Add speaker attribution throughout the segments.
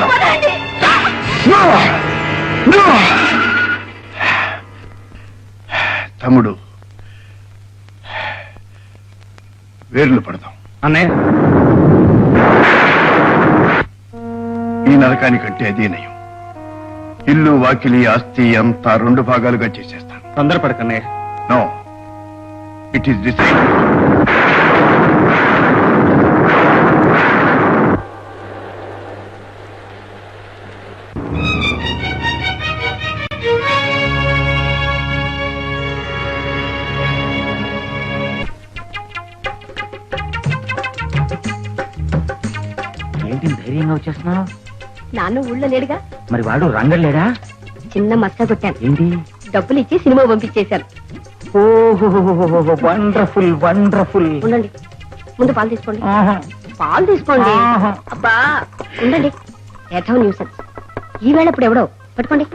Speaker 1: తమ్ముడు, వేర్లు పడదాం.
Speaker 2: అన్నయ్య,
Speaker 1: ఈ నరకానికంటే అదే నయం. ఇల్లు, వాకిలి, ఆస్తి అంతా 2 భాగాలుగా చేసేస్తాను.
Speaker 2: తొందరపడకన్నయ్య.
Speaker 1: No, it is decide.
Speaker 2: ఏంటి ధైర్యంగా వచ్చేస్తున్నావు?
Speaker 3: నాన్న ఊళ్ళో లేడుగా.
Speaker 2: మరి వాడు రంగలేడా?
Speaker 3: చిన్న మస్తా కొట్టాను.
Speaker 2: ఏంటి?
Speaker 3: డబ్బులు ఇచ్చి సినిమా పంపించేశాను.
Speaker 2: ఓహో, వండర్ఫుల్ వండర్ఫుల్.
Speaker 3: ఉండండి, ముందు పాలు తీసుకోండి. పాలు తీసుకోండి. అబ్బా ఉండండి, ఏథం న్యూసెన్స్. ఈవేళ ఇప్పుడు ఎవడో పట్టుకోండి.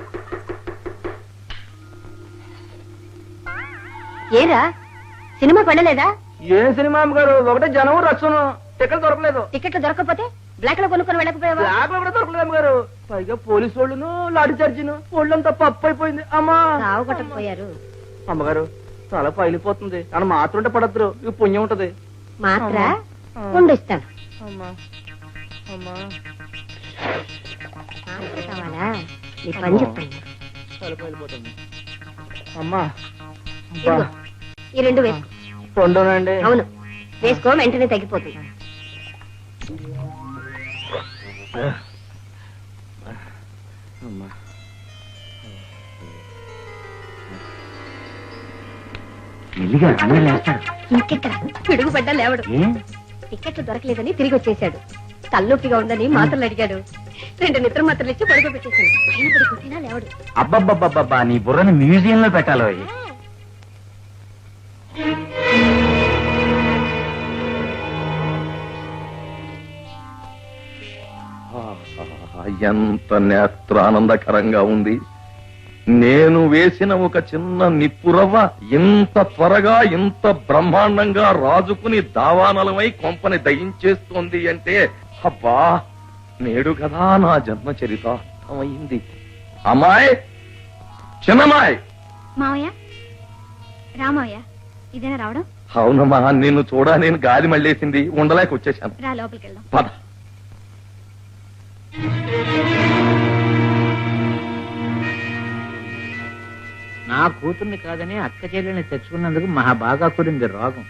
Speaker 3: ఏరా సినిమాకి వెళ్ళలేదా?
Speaker 2: ఏ సినిమా గారు? ఒకటే జనం రచ్చను. టికెట్ దొరకలేదు.
Speaker 3: టికెట్లు దొరకకపోతే బ్లాక్ లో కొనుక్కొని వెళ్ళకపోయావా?
Speaker 2: బ్లాక్ లో కూడా దొరకలేదు గారు. పైగా పోలీసు వాళ్ళను లాఠీ చార్జిను ఒళ్ళంతా పప్పు అయిపోయింది. అమ్మా
Speaker 3: రావు కొట్టకపోయారు.
Speaker 2: అమ్మగారు చాలా పైలిపోతుంది అని మాత్రం పడద్దు. ఇవి పుణ్యం ఉంటది.
Speaker 3: మాత్ర ఉండిస్తాను.
Speaker 2: అమ్మా అమ్మా
Speaker 3: కావాలా? నీ పని చెప్తాను.
Speaker 2: చాలా పైలిపోతుంది. అమ్మా
Speaker 3: ఈ 2 వేసుకో.
Speaker 2: రెండోనండి?
Speaker 3: అవును, వేసుకో, వెంటనే తగ్గిపోతుంది. ఇంకెక్కడ పిడుగు పడ్డా లేవడు. టికెట్లు దొరకలేదని తిరిగి వచ్చేసాడు. తలనొప్పిగా ఉందని మాత్రలు అడిగాడు. 2 నిద్ర మాత్రలు ఇచ్చి పడుకోబెట్టేశాను. పైన పడి కొట్టినా లేవడు.
Speaker 2: అబ్బబ్బబ్బబ్బా, నీ బుర్రని మ్యూజియం లో పెట్టాలో.
Speaker 4: ఎంత నేత్రానందకరంగా ఉంది. నేను వేసిన ఒక చిన్న నిప్పురవ్వ ఇంత త్వరగా ఇంత బ్రహ్మాండంగా రాజుకుని దావానలమై కొంపని దయించేస్తోంది అంటే, అబ్బా, నేడు కదా నా జన్మ చరితార్థమైంది. అమ్మాయి, చిన్నమ్మాయి.
Speaker 5: మావయ్య, రామయ్య, ఇదేనా రావడం?
Speaker 4: అవునమ్మా, నిన్ను చూడా నేను గాలి మళ్ళేసింది, ఉండలేక వచ్చేసాను.
Speaker 5: రా, లోపలికి వెళ్దాం.
Speaker 4: పద.
Speaker 2: నా కూతుర్ని కాదని అక్క చెల్లెల్ని తెచ్చుకున్నందుకు మహా బాగా కూడింది రోగం.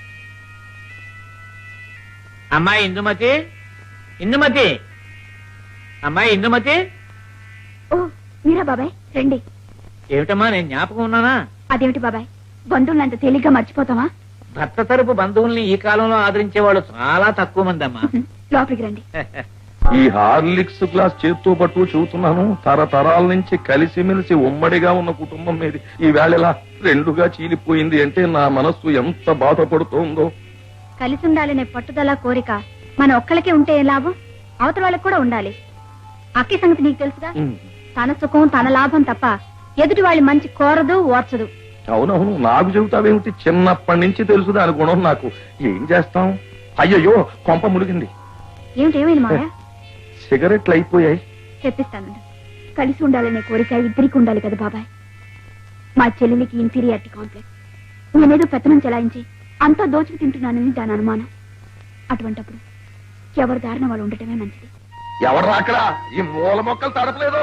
Speaker 2: అమ్మాయి ఇందుమతి, ఇందుమతి, అమ్మాయి ఇందుమతి.
Speaker 5: ఓ మీరా బాబాయ్, రండి.
Speaker 2: ఏమిటమ్మా, నేను జ్ఞాపకం ఉన్నానా?
Speaker 5: అదేమిటి బాబాయ్, బంధువులను అంత తేలిగ్గా మర్చిపోతావా?
Speaker 2: భర్త తరపు బంధువుల్ని ఈ కాలంలో ఆదరించే వాళ్ళు చాలా తక్కువ మంది అమ్మా.
Speaker 5: లోపలికి రండి.
Speaker 4: ఈ హార్లిక్స్ గ్లాస్ చేత్తో పట్టు చూస్తున్నాను. తరతరాల నుంచి కలిసిమెలిసి ఉమ్మడిగా ఉన్న కుటుంబం మీది ఈ వేళలా 2గా చీలిపోయింది అంటే నా మనస్సు ఎంత బాధపడుతోందో.
Speaker 5: కలిసి ఉండాలనే పట్టుదల, కోరిక మన ఒక్కళ్ళకే ఉంటే ఏ లాభం? అవతల వాళ్ళకి కూడా ఉండాలి. అక్కి సంగతి నీకు తెలుసుగా. తన సుఖం తన లాభం తప్ప ఎదుటి వాళ్ళ మంచి కోరదు, ఓర్చదు.
Speaker 4: అవునవును, నాకు చెబుతావేమిటి? చిన్నప్పటి నుంచి తెలుసు దాని గుణం నాకు. ఏం చేస్తాం? అయ్యయ్యో, కొంప మునిగింది.
Speaker 5: ఏమిటేమైంది మాయా?
Speaker 4: సిగరెట్లు అయిపోయాయి.
Speaker 5: చెప్పిస్తానండి. కలిసి ఉండాలనే కోరిక ఇద్దరికి ఉండాలి కదా బాబాయ్. మా చెల్లెలికి ఇన్ఫీరియారిటీ కాంప్లెక్స్. నేనేదో పెత్తనం చెలాయించి అంతా దోచుకు తింటున్నానని దాని అనుమానం. అటువంటప్పుడు ఎవరి దారిన వాళ్ళు ఉండటమే మంచిది.
Speaker 4: ఎవరు అక్కడ? ఈ మూల మొక్కలు తడపలేదు.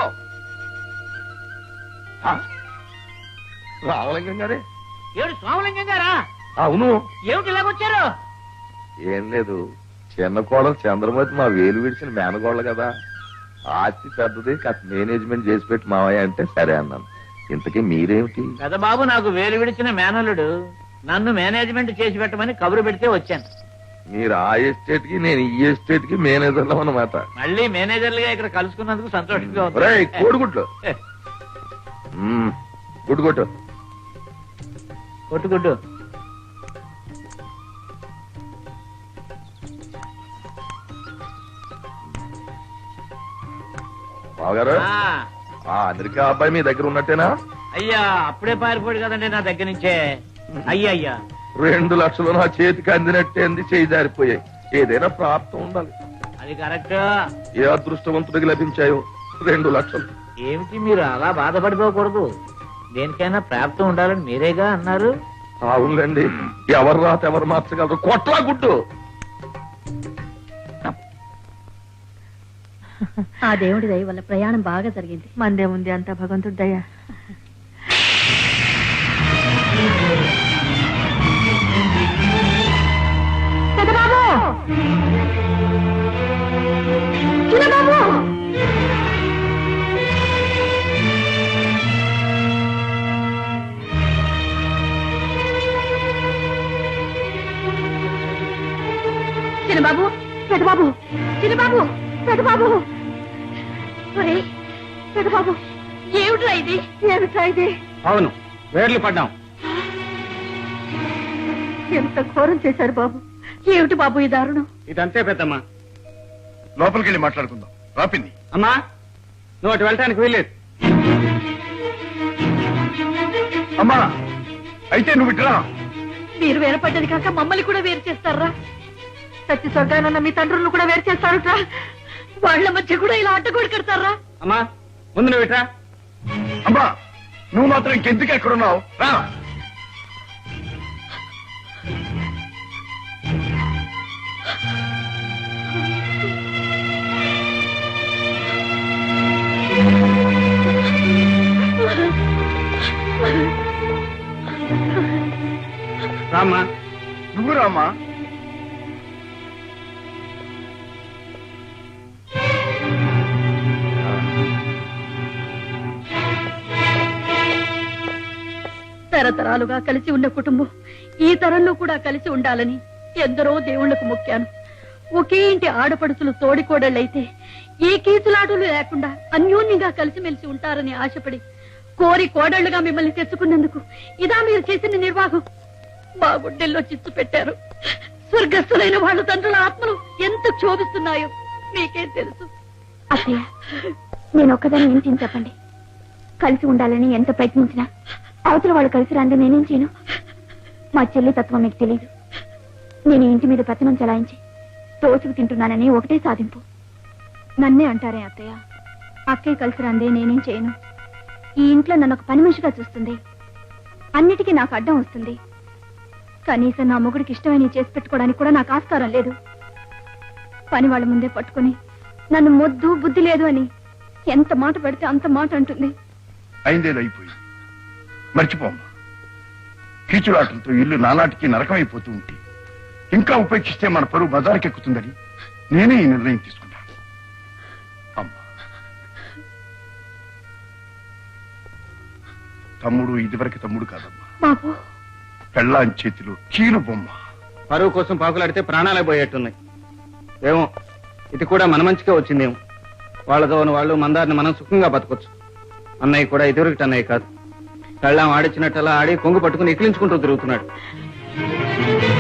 Speaker 4: రామలింగం గారే?
Speaker 2: ఏమిటి స్వామలింగం గారా?
Speaker 4: అవును.
Speaker 2: ఏమిటి ఇలాగొచ్చారు?
Speaker 4: ఏం లేదు, చిన్న కోడలు చంద్రమతి మా వేలు విడిచిన మేనగోళ్ళ కదా. ఆస్తి పెద్దది, కాస్త మేనేజ్మెంట్ చేసి పెట్టి మావయ్య అంటే సరే అన్నాను. ఇంతకీ మీరేమిటి?
Speaker 2: కదా బాబు, నాకు వేలు విడిచిన మేనల్లుడు. నన్ను మేనేజ్మెంట్ చేసి పెట్టమని కబురు పెడితే వచ్చాను.
Speaker 4: మీరు ఆ ఎస్టేట్ కి, నేను ఈ ఎస్టేట్ కి మేనేజర్లం అన్నమాట.
Speaker 2: మళ్ళీ మేనేజర్లుగా ఇక్కడ కలుసుకున్నందుకు సంతోషంగా ఉంది.
Speaker 4: కోడిగుడ్లు గుడ్డు కొట్టు.
Speaker 2: కొట్టు గుడ్డు.
Speaker 4: బావగారు, అమెరికా అబ్బాయి మీ దగ్గర ఉన్నట్టేనా?
Speaker 2: అయ్యా, అప్పుడే పారిపోయాడు కదండి నా దగ్గర నుంచే. అయ్యా
Speaker 4: 2 లక్షలు నా చేతికి అందినట్టే అంది, చేయి జారిపోయాయి. ఏదైనా ప్రాప్తం ఉండాలి.
Speaker 2: అది కరెక్ట్.
Speaker 4: ఏ అదృష్టవంతుడికి లభించాయో 2 లక్షలు.
Speaker 2: ఏమిటి మీరు అలా బాధపడిపోకూడదు. దేనికైనా ప్రాప్తం ఉండాలని మీరేగా అన్నారు.
Speaker 4: అవునులేండి, ఎవరు రాత ఎవరు మార్చగలరు. కొట్లా గుడ్డు.
Speaker 3: ఆ దేవుడి దయ వల్ల ప్రయాణం బాగా జరిగింది.
Speaker 5: మందేముంది, అంతా భగవంతుడి దయ. పెదబాబు, చిన్నబాబు, చిన్నబాబు, పెదబాబు, చిన్నబాబు, పెదబాబు, పెదబాబు, ఏమిట్రా ఇది? ఏమిట్రా ఇది?
Speaker 6: అవును, వేర్లు పడ్డాం.
Speaker 5: ఎంత ఘోరం చేశారు బాబు. ఏమిటి బాబు ఈ దారుణం?
Speaker 6: ఇదంతే పెద్దమ్మా.
Speaker 1: లోపలికి వెళ్ళి మాట్లాడుకుందాం. రాపింది.
Speaker 6: అమ్మా, నువ్వు అటు వెళ్ళటానికి వీల్లేదు.
Speaker 1: అమ్మా, అయితే నువ్వు ఇట్లా.
Speaker 5: మీరు వేరపడ్డది కాక మమ్మల్ని కూడా వేరు చేస్తారా? సత్య స్వర్గానన్న మీ తండ్రులను కూడా వేరు చేస్తారుట్రా? వాళ్ళ మధ్య కూడా ఇలా అడ్డగోడు కడతారా?
Speaker 6: అమ్మా, ముందు నువ్వు ఇట్రా.
Speaker 1: అమ్మా, నువ్వు మాత్రం ఇంకెందుకు ఎక్కడున్నావు? రా.
Speaker 6: రామ్మా.
Speaker 1: నువ్వు రామ్మా.
Speaker 3: తరతరాలుగా కలిసి ఉన్న కుటుంబం ఈ తరంలో కూడా కలిసి ఉండాలని ఎందరో దేవుళ్లకు మొక్కాను. ఒకే ఇంటి ఆడపడుచులు తోడికోడళ్ళైతే ఏ కీచులాటలు లేకుండా అన్యోన్యంగా కలిసిమెలిసి ఉంటారని ఆశపడి కోరి కోడళ్లుగా మిమ్మల్ని తెచ్చుకున్నందుకు ఇదా మీరు చేసిన నిర్వాహం? మా గుడ్డెల్లో చిచ్చు పెట్టారు. స్వర్గస్థులైన వాళ్ళ తండ్రుల ఆత్మలు ఎంత క్షోభిస్తున్నాయో మీకేం తెలుసు?
Speaker 5: అత్తయ్య, నేను ఒక్కదాన్ని ఏంటి చెప్పండి. కలిసి ఉండాలని ఎంత ప్రయత్నించినా అవతల వాళ్ళు కలిసి రాంది నేనేం చేయను. మా చెల్లి తత్వం మీకు తెలియదు. నేను ఇంటి మీద పెత్తనం చలాయించి తోచుకు తింటున్నానని ఒకటే సాధింపు. నన్నే అంటారే అత్తయ్య. అక్కయ్య కలిసి రాందే నేనేం చేయను. ఈ ఇంట్లో నన్ను ఒక పని మనిషిగా చూస్తుంది. అన్నిటికీ నాకు అడ్డం వస్తుంది. కనీసం నా మొగుడికి ఇష్టమైన చేసి పెట్టుకోవడానికి కూడా నాకు ఆస్కారం లేదు. పని వాళ్ళ ముందే పట్టుకుని నన్ను మొద్దు బుద్ధి లేదు అని ఎంత మాట పెడితే అంత మాట అంటుంది.
Speaker 1: అయిందేదో అయిపోయింది, మర్చిపోమ్మా. కీచులాటలతో ఇల్లు నానాటికి నరకమైపోతూ ఉంటే ఇంకా ఉపేక్షిస్తే మన పరువు బజారుకెక్కుతుందని నేనే ఈ నిర్ణయం తీసుకున్నాను. అమ్మా, తమ్ముడు ఇదివరకు తమ్ముడు కాదమ్మా.
Speaker 5: బాబు,
Speaker 1: పెళ్ళాం చేతిలో కీలు బొమ్మ.
Speaker 6: పరువు కోసం పాకులాడితే ప్రాణాలే పోయేట్టున్నాయి. ఏమో, ఇది కూడా మన మంచిగా వచ్చిందేమో. వాళ్ళతో వాళ్ళు మందారిని మనం సుఖంగా బతకొచ్చు. అన్నయ్య కూడా ఇదివరకటి అన్నయ్య కాదు. కళ్ళం ఆడిచ్చినట్టు అలా ఆడి కొంగు పట్టుకుని ఎక్కిలించుకుంటూ తిరుగుతున్నాడు.